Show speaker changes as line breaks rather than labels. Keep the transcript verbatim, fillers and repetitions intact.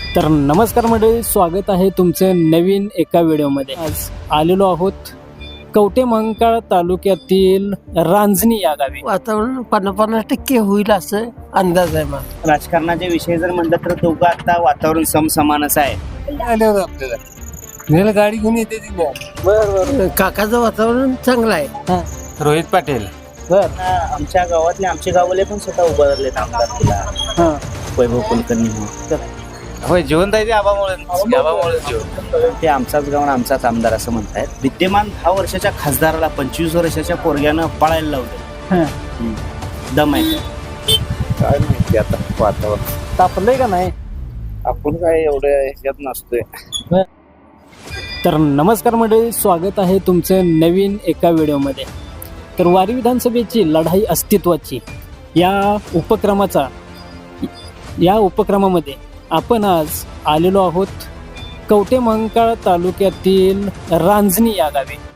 तर नमस्कार मंडळी, स्वागत आहे तुमचं नवीन एका व्हिडिओमध्ये. आज आलेलो आहोत कवठे महांकाळ तालुक्यातील रांजणी या गावी.
वातावरण पन्नास पन्नास टक्के होईल असं अंदाज आहे मला.
राजकारणाचे विषय जर म्हणलं तर दोघं आता वातावरण समसमानच आहे.
आल्यावर आपल्याला गाडी घेऊन येते बरं काकाचं वातावरण चांगलं आहे.
रोहित पाटील.
आमच्या गावातले आमचे गावले पण स्वतः उभारलेत आमदार तिला वैभव कुलकर्णी म्हणून.
होय, जिवंत आहे ते आबामुळे आबामुळे जिवंत.
ते आमचाच गाव आणि आमचाच आमदार असं म्हणतायत. विद्यमान दहा वर्षाच्या खासदाराला पंचवीस वर्षाच्या पोरग्यानं पळायला लावलं. दम आहे
काय माहिती आता वातावरण.
तापलंय का नाही?
आपण काय एवढ्या ह्याच्यात नसतोय.
तर नमस्कार मंडळी, स्वागत आहे तुमचं नवीन एका व्हिडिओमध्ये. तर वारी विधानसभेची लढाई अस्तित्वाची या उपक्रमाचा या उपक्रमामध्ये आपण आज आलेलो आहोत कवठे महांकाळ तालुक्यातील रांजणी या गावी.